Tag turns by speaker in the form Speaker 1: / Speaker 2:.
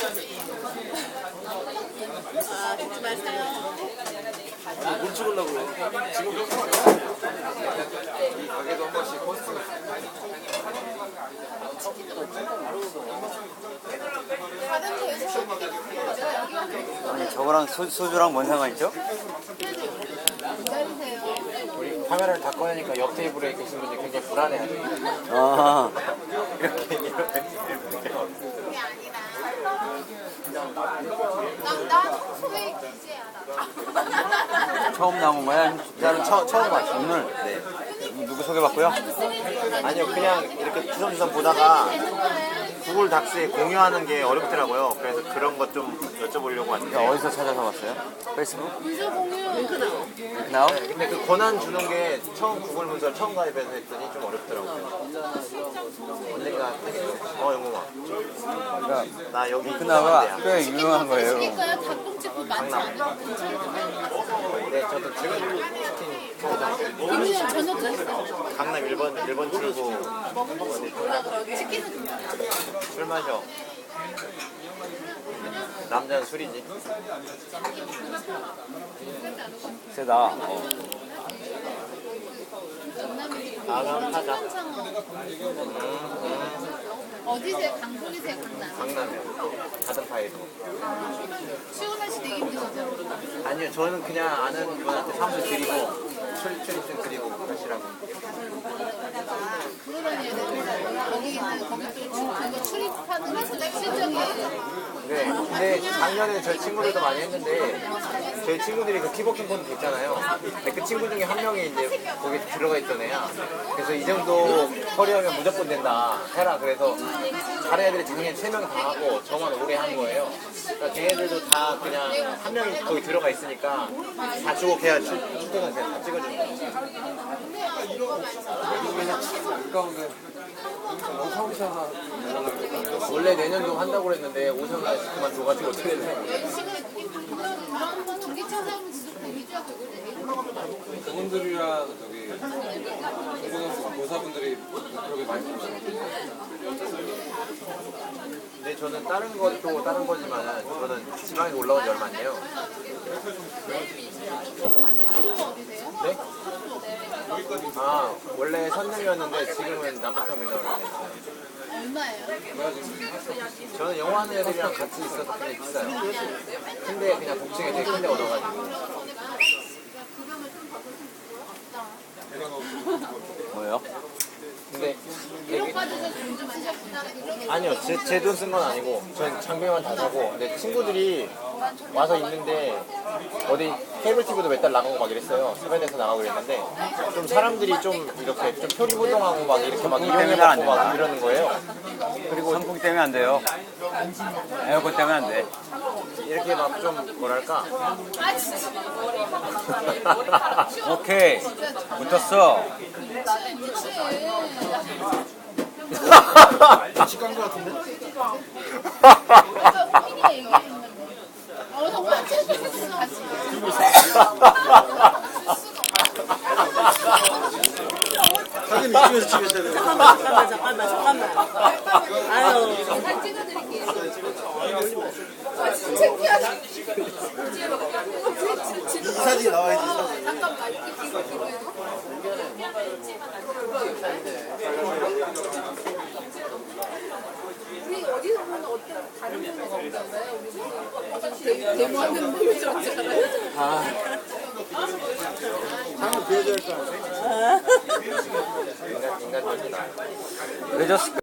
Speaker 1: 아, 듣지 마세요.
Speaker 2: 뭘 찍으려고요? 지금 이 가게도 한 번씩 포스팅.
Speaker 1: 다른 데에서 내가 여기만
Speaker 3: 아니, 저거랑 소주랑 뭔 상관이죠?
Speaker 1: 기다리세요.
Speaker 2: 우리 카메라를 다 꺼내니까 옆 테이블에 계신 분들이 굉장히 불안해하죠.
Speaker 3: 아,
Speaker 2: 이렇게.
Speaker 1: 그게 아니라 나 소외 기재하라.
Speaker 3: 처음 나온 거야?
Speaker 2: 나는 처음 봤어.
Speaker 3: 오늘? 네. 누구 소개받고요?
Speaker 2: 아니요, 그냥 이렇게 주섬주섬 보다가 구글 닥스에 공유하는 게 어렵더라고요. 그래서 그런 것 좀 여쭤보려고 왔는데.
Speaker 3: 어디서 찾아서 봤어요? 페이스북?
Speaker 1: 문서 공유 링크 나와.
Speaker 3: 나오?
Speaker 2: 네, 근데 그 권한 주는 게 처음 구글 문서를 처음 가입해서 했더니 좀 어렵더라고요. 언젠가 영웅아.
Speaker 3: 그러니까
Speaker 2: 나 여기
Speaker 3: 그나마
Speaker 2: 이상한
Speaker 3: 꽤 유명한 거예요.
Speaker 1: 그러니까요. 닭똥집도 많지 않아요?
Speaker 2: 데야. 네, 저도 지금 치킨 사장.
Speaker 1: 김유영 저녁도 했어요.
Speaker 2: 강남 1번 출구
Speaker 1: 치킨은
Speaker 2: 술 마셔. 남자는 술이지.
Speaker 3: 세다.
Speaker 2: 나가면 타자.
Speaker 1: 어디세요? 강북이세요? 강남?
Speaker 2: 강남이요. 가든 파이로.
Speaker 1: 출근하시 되게 힘드시죠?
Speaker 2: 아니요, 저는 그냥 아는 분한테 사무실 드리고 출입증 드리고 하시라고.
Speaker 1: 돌아다녀야 되는데 거기 있는 거기 또 그거 출입하는 게 실적이에요.
Speaker 2: 네, 근데 작년에 저희 친구들도 많이 했는데 저희 친구들이 그 키버킹 콘도 있잖아요. 근데 그 친구 중에 한 명이 이제 거기 들어가 있던 애야. 그래서 이 정도 커리어면 무조건 된다 해라. 그래서 다른 애들이 작년에 3명 다 하고 저만 오래 한 거예요. 그러니까 걔네들도 다 그냥 한 명이 거기 들어가 있으니까 다 주고 걔가 출퇴근 그냥 다 찍어주는 거예요. 원래 내년도 한다고 그랬는데 오션가 그만둬가지고 어떻게 되나.
Speaker 1: 그런 전기차 사용은 진짜 위주가 되거든요.
Speaker 4: 그분들이랑 저기 고등학생 교사분들이 그렇게 많이 보잖아요.
Speaker 2: 근데 저는 다른 것도 다른 거지만 저는 지방에 올라온 지 얼마 안 돼요. 네? 아, 원래 선릉이었는데 지금은 남부터미널을 했어요.
Speaker 1: 얼마예요?
Speaker 2: 저는 영화하는 애들이랑 같이 있어서 굉장히 비싸요. 근데 그냥 복층에 되게 큰 데 얻어가지고.
Speaker 3: 뭐예요?
Speaker 2: 근데 되게
Speaker 1: 빠져서 돈 좀 쓰셨구나.
Speaker 2: 아니요, 제 돈 쓴 건 아니고 전 장비만 다 사고. 근데 친구들이 와서 있는데 어디 케이블 TV도 몇 달 나가고 막 이랬어요. 섭외돼서 나가고 그랬는데 좀 사람들이 좀 이렇게 좀 표리부동하고 막 이렇게 막 이용해갖고 막 이러는 거예요. 그리고
Speaker 3: 선풍기 때문에 안 돼요. 에어컨 때문에 안 돼.
Speaker 2: 이렇게 막 좀 뭐랄까.
Speaker 1: 아 진짜.
Speaker 3: 오케이. 붙었어.
Speaker 2: 직관 것 같은데?
Speaker 1: 호민이가 얘기했는데. 정말 재밌었어. 같이.
Speaker 2: 사진 이쪽에서 찍으셔야 돼요.
Speaker 5: 잠깐만. 아유.
Speaker 1: 잘 찍어드릴게요. 창피하다.
Speaker 2: 이 사진이 나와야지. 사진.
Speaker 1: 잠깐만. 이거. 우리 어디서 보면 어떤 다른 분에서 오잖아요. 우리 데모하는 분이 좋잖아요.
Speaker 2: 장을 보여줘야 할 거 아니에요? 인간적이다.
Speaker 3: 늦었을까?